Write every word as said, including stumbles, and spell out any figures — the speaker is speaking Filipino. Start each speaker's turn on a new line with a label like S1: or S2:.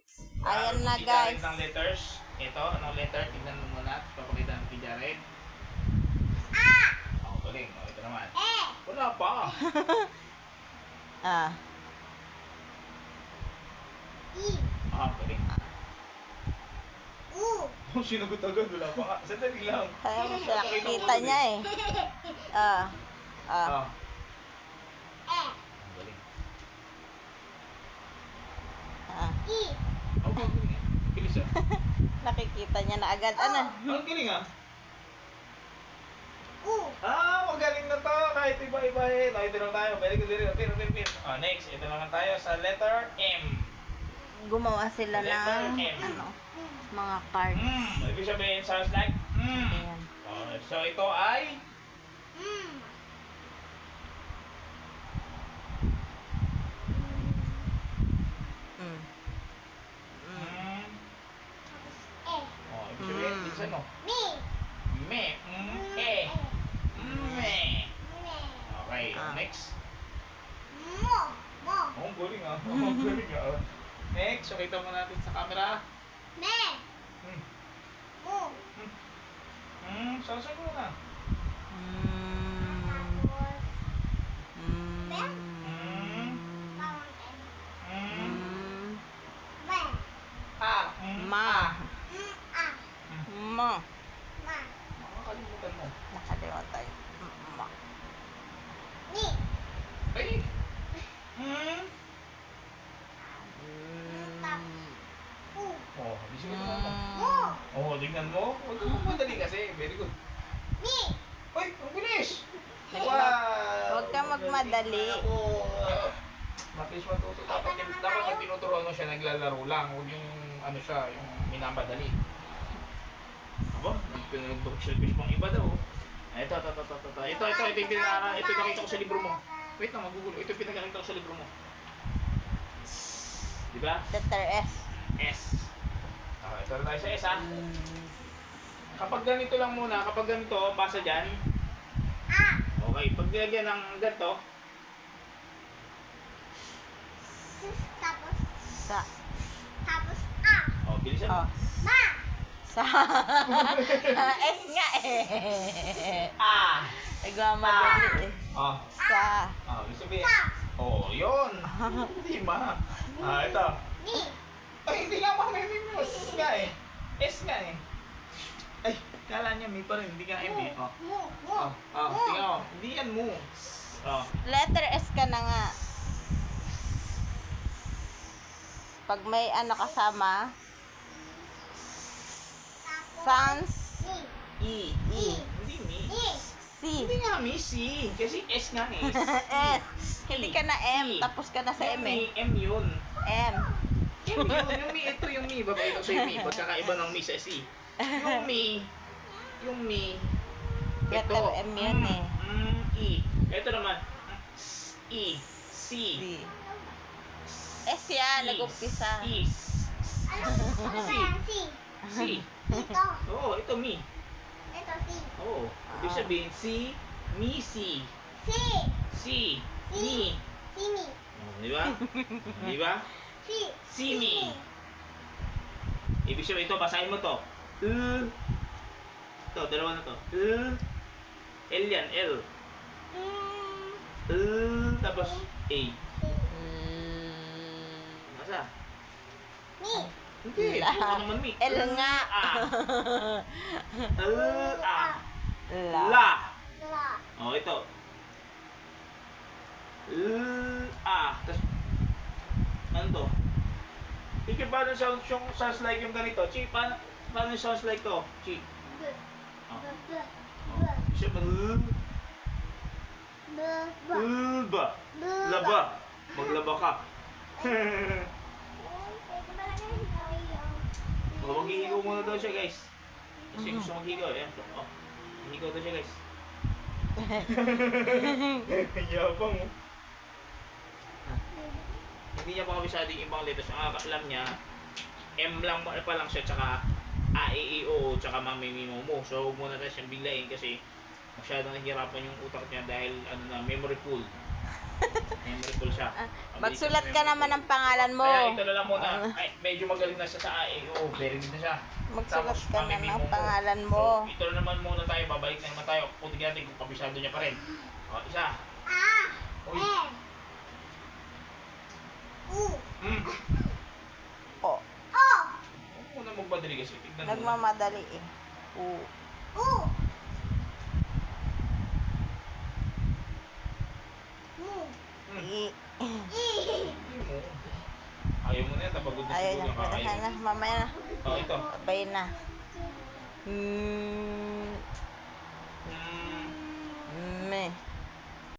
S1: Ayan
S2: Ano
S1: na
S2: si
S1: guys.
S2: Jared ng letters. Ito, anong letter? Tignan mo muna. Papakita natin kay Jared.
S3: Ah!
S2: Oh, galing. Oh, ito naman.
S3: Eh!
S2: Wala pa.
S1: Ah.
S3: I!
S2: Ah, galing.
S3: U!
S2: Oh, sinagot agad. Wala pa nga. Sandali lang.
S1: Ay,
S2: Papakita ko
S1: nakikita
S2: ulit.
S1: niya eh. Ah. Ah.
S2: Ah.
S3: Eh!
S2: Ang galing.
S1: Ah.
S3: I!
S2: Oh, ang galing. ah. Bilis ah.
S1: Nakikita niya na agad. Ano?
S2: Ang galing ah.
S3: U!
S2: Ah, magaling na to. Kahit iba-iba eh. Nakita lang tayo. Very good, very good. Very good, very good. Oh, next. Ito naman tayo sa letter M.
S1: Gumawa sila
S2: Letter
S1: ng
S2: M.
S1: ano, mga cards.
S2: Mm. Ibig sabihin, sounds like mm.
S1: Ayan.
S2: Oh, so ito ay
S3: Mm!
S1: Mm. Mm.
S2: mm.
S3: Tapos eh!
S2: Oh, ibig sabihin,
S1: Mm.
S2: bilisan mo.
S3: Mi!
S2: Me. Mm. Eh. Me.
S3: Me!
S2: Okay,
S1: Ah.
S2: next.
S3: Mo! Mo!
S2: Oh, ang galing ah. Oh, ang galing ah. Next, so kita mo natin sa camera.
S3: Me!
S2: Hmm.
S3: Mo!
S2: Hmm. Hmm, sasagot mo na.
S1: Mm.
S3: Tapos
S1: Mm.
S3: bawang M.
S2: Hmm.
S1: Mm.
S3: Me!
S2: Ah. Hmm.
S1: Ma.
S2: Ah.
S3: Mm! Ah!
S1: Ma.
S3: Ma!
S2: Makakalimutan mo.
S1: Nakalimutan. Ma.
S3: Mi!
S2: Ay. Hmm.
S1: Mm.
S3: U!
S2: Oh, ibig sabihin mo.
S3: Mo!
S2: Oh, tingnan mo. Huwag ka magmadali kasi. Very good.
S3: Mi!
S2: Ay, ang bilis!
S1: Huwag ka magmadali.
S2: Ako, mabilis matuto. Dapat,
S3: Ito naman
S2: dapat
S3: tayo.
S2: pag tinuturuan mo siya, naglalaro lang. Huwag yung, ano siya, yung minamadali. Aba, nag-shellfish pang iba daw. Ay, ito, ito, ito, ito, ito, ito, ito, ito, yung pinaka- ito yung nakita ko sa libro mo. Wait lang, magugulo. Ito yung pinakakita ko sa libro mo. Di ba?
S1: Letter S.
S2: S. Ah, ito na tayo sa S, ha? Kapag ganito lang muna, kapag ganito, basa dyan.
S3: Ah!
S2: Okay, pag nilagyan ng ganito,
S3: Sus! Tapos
S1: Sa.
S3: tapos ah!
S2: oh, bilisan mo.
S1: Oh.
S3: Ma!
S1: Sa. S nga eh.
S2: Ah!
S1: Nagmamadali eh.
S2: Oh,
S1: Sa.
S2: oh, ibig sabihin.
S3: Sa!
S2: Oh, yun. Hindi ma. Ah, ito.
S3: Mi!
S2: Ay, hindi nga mamimim mo. S nga eh. S nga eh. Ay, kala niya may pa rin. Hindi nga M eh. Oh,
S3: Mo! Mo!
S2: oh, oh, tingnan mo. Hindi yan mo. Oh.
S1: Letter S ka na nga. Pag may ano kasama,
S3: Tapos
S1: sounds
S3: Mi!
S2: E.
S1: E.
S2: Hindi mi.
S3: Mi!
S1: C.
S2: Hindi nga mi, C. Kasi S nga eh.
S1: S. Hindi ka na M. Tapos ka na sa M eh.
S2: M yun.
S1: M.
S2: M yun. Yung mi, ito yung mi. Babay ito sa mi. Pagkakaiba ng mi sa C. Yung mi. Yung mi. Ito.
S1: Letter M yun eh.
S2: Mm, E. Ito naman. E. C.
S1: C. S yan. Nag-umpisa.
S3: Ano?
S2: E.
S3: Ano ba yan? Si!
S2: C.
S3: Ito!
S2: Oo, ito mi.
S3: Ito si!
S2: Oo. Ibig sabihin, C. Mi, C.
S3: Si!
S2: C. Mi.
S3: Si mi!
S2: Oh, di ba? Di ba?
S3: Si!
S2: Si mi. Ibig sabihin ito, basahin mo to. L. Ito, dalawa na to. L. L yan, L.
S3: Mm.
S2: L. Tapos A.
S1: Mm.
S2: Nasa?
S3: Mi!
S2: Hindi.
S1: La.
S2: Ito naman mi.
S1: L nga.
S2: A. L. A.
S1: La.
S2: La.
S3: La!
S2: Oh, ito. L. A. Tapos, ano to? Ika, paano sounds, yung sounds like yung ganito? Chi, paano, paano sounds like to? Chi.
S3: B!
S2: Oh.
S3: B! B!
S2: Oh. Siya ba? L.
S3: B! B!
S2: Lba.
S3: B!
S2: Laba. Maglaba ka.
S3: Pwede ba lang yung yun?
S2: Oh, maghihigaw muna daw siya, guys. Kasi gusto maghigaw. Ayan. Oh. Maghihigaw daw siya, guys. Yabang mo. Hindi niya pa kabisado yung ibang letters. Ang alam niya, M lang pa lang siya, tsaka A, E, I, O, tsaka Mami, Mimo, Mo. So, huwag muna tayo siyang biglayin kasi masyadong nahihirapan yung utak niya dahil ano na, memory full. Memorable siya.
S1: Ah,
S2: Mabilis
S1: Magsulat
S2: siya
S1: ka
S2: memorable.
S1: naman ng pangalan mo.
S2: Kaya ito na lang muna.
S1: Ah,
S2: Ay, medyo magaling na siya sa A E. Oo, very good na siya.
S1: Magsulat
S2: Tapos,
S1: ka na
S2: mamimimo
S1: ng
S2: mo.
S1: pangalan mo.
S2: So, ito na naman muna tayo. Babalik na naman tayo. Puti natin kung kabisado niya pa rin. O, isa.
S3: Ah.
S2: Uy.
S3: Eh. U.
S2: Hmm.
S1: O,
S3: Oh.
S2: Huwag muna magmadali kasi. Tignan mo.
S1: nagmamadali eh. U.
S3: U. Mu.
S2: Hmm.
S1: I.
S3: I.
S2: Mo. Ayaw mo na yan. Tapagod na
S1: Ayaw
S2: siguro.
S1: niya.
S2: Nakakayaw.
S1: Kaya na. Mamaya na.
S2: O, ito.
S1: Sabay na. Hmm.